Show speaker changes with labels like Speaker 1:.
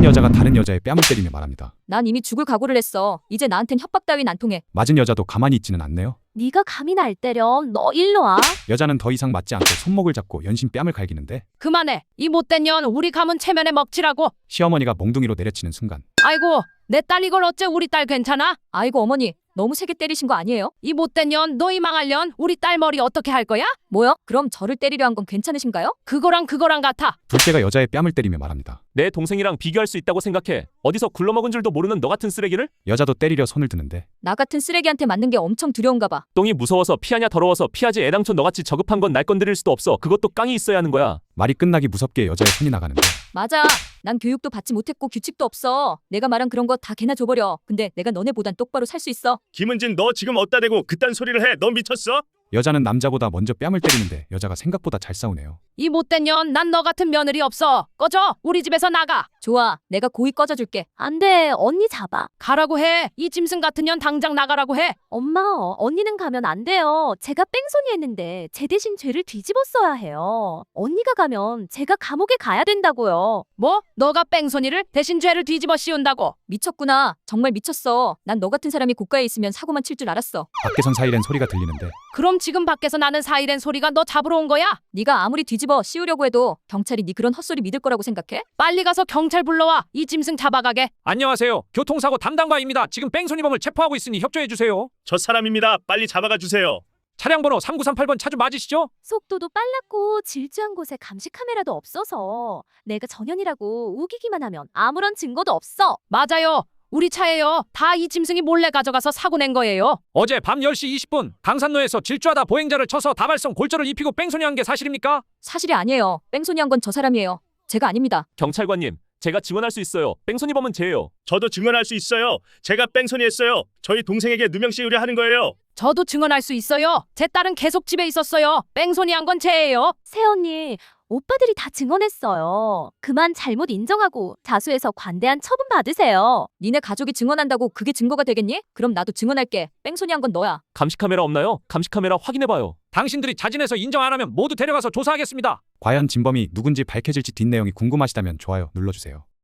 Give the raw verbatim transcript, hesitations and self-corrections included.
Speaker 1: 여자가 다른 여자의 뺨을 때리며 말합니다.
Speaker 2: 난 이미 죽을 각오를 했어. 이제 나한텐 협박 따윈 안 통해.
Speaker 1: 맞은 여자도 가만히 있지는 않네요.
Speaker 3: 네가 감히 날 때려. 너 일로 와.
Speaker 1: 여자는 더 이상 맞지 않고 손목을 잡고 연신 뺨을 갈기는데
Speaker 4: 그만해. 이 못된 년 우리 가문 체면에 먹칠하고.
Speaker 1: 시어머니가 몽둥이로 내려치는 순간
Speaker 4: 아이고 내 딸 이걸 어째 우리 딸 괜찮아?
Speaker 2: 아이고 어머니, 너무 세게 때리신 거 아니에요?
Speaker 4: 이 못된 년 너희 망할 년 우리 딸 머리 어떻게 할 거야?
Speaker 2: 뭐요? 그럼 저를 때리려 한 건 괜찮으신가요?
Speaker 4: 그거랑 그거랑 같아.
Speaker 1: 둘째가 여자의 뺨을 때리며 말합니다.
Speaker 5: 내 동생이랑 비교할 수 있다고 생각해. 어디서 굴러먹은 줄도 모르는 너 같은 쓰레기를?
Speaker 1: 여자도 때리려 손을 드는데
Speaker 2: 나 같은 쓰레기한테 맞는 게 엄청 두려운가 봐.
Speaker 5: 똥이 무서워서 피하냐 더러워서 피하지. 애당초 너같이 저급한 건 날 건드릴 수도 없어. 그것도 깡이 있어야 하는 거야.
Speaker 1: 말이 끝나기 무섭게 여자의 손이 나가는데
Speaker 2: 맞아. 난 교육도 받지 못했고 규칙도 없어. 내가 말한 그런 거 다 걔나 줘버려. 근데 내가 너네보단 똑바로 살 수 있어.
Speaker 6: 김은진 너 지금 어디다 대고 그딴 소리를 해? 너 미쳤어?
Speaker 1: 여자는 남자보다 먼저 뺨을 때리는데 여자가 생각보다 잘 싸우네요.
Speaker 4: 이 못된 년 난 너 같은 며느리 없어. 꺼져. 우리 집에서 나가.
Speaker 2: 좋아. 내가 고이 꺼져줄게.
Speaker 3: 안 돼. 언니 잡아.
Speaker 4: 가라고 해. 이 짐승 같은 년 당장 나가라고 해.
Speaker 3: 엄마, 어, 언니는 가면 안 돼요. 제가 뺑소니 했는데 제 대신 죄를 뒤집었어야 해요. 언니가 가면 제가 감옥에 가야 된다고요.
Speaker 4: 뭐? 너가 뺑소니를 대신 죄를 뒤집어 씌운다고?
Speaker 2: 미쳤구나. 정말 미쳤어. 난 너 같은 사람이 고가에 있으면 사고만 칠 줄 알았어.
Speaker 1: 밖에선 사이렌 소리가 들리는데
Speaker 4: 그럼 지금 밖에서 나는 사이렌 소리가 너 잡으러 온 거야?
Speaker 2: 네가 아무리 뒤집어 씌우려고 해도 경찰이 네 그런 헛소리 믿을 거라고 생각해?
Speaker 4: 빨리 가서 경찰 불러와. 이 짐승 잡아가게.
Speaker 7: 안녕하세요. 교통사고 담당과입니다. 지금 뺑소니범을 체포하고 있으니 협조해주세요.
Speaker 6: 저 사람입니다. 빨리 잡아가 주세요.
Speaker 7: 차량 번호 삼구삼팔 번 차주 맞으시죠?
Speaker 3: 속도도 빨랐고 질주한 곳에 감시 카메라도 없어서 내가 전현이라고 우기기만 하면 아무런 증거도 없어.
Speaker 4: 맞아요. 우리 차예요. 다 이 짐승이 몰래 가져가서 사고 낸 거예요.
Speaker 7: 어제 밤 열 시 이십 분 강산로에서 질주하다 보행자를 쳐서 다발성 골절을 입히고 뺑소니한 게 사실입니까?
Speaker 2: 사실이 아니에요. 뺑소니 한 건 저 사람이에요. 제가 아닙니다.
Speaker 5: 경찰관님, 제가 증언할 수 있어요. 뺑소니범은 제예요.
Speaker 6: 저도 증언할 수 있어요. 제가 뺑소니 했어요. 저희 동생에게 누명 씌우려 하는 거예요.
Speaker 4: 저도 증언할 수 있어요. 제 딸은 계속 집에 있었어요. 뺑소니한 건 제예요.
Speaker 3: 새언니, 오빠들이 다 증언했어요. 그만 잘못 인정하고 자수해서 관대한 처분 받으세요.
Speaker 2: 니네 가족이 증언한다고 그게 증거가 되겠니? 그럼 나도 증언할게. 뺑소니 한 건 너야.
Speaker 5: 감시 카메라 없나요? 감시 카메라 확인해봐요.
Speaker 7: 당신들이 자진해서 인정 안 하면 모두 데려가서 조사하겠습니다.
Speaker 1: 과연 진범이 누군지 밝혀질지 뒷내용이 궁금하시다면 좋아요 눌러주세요.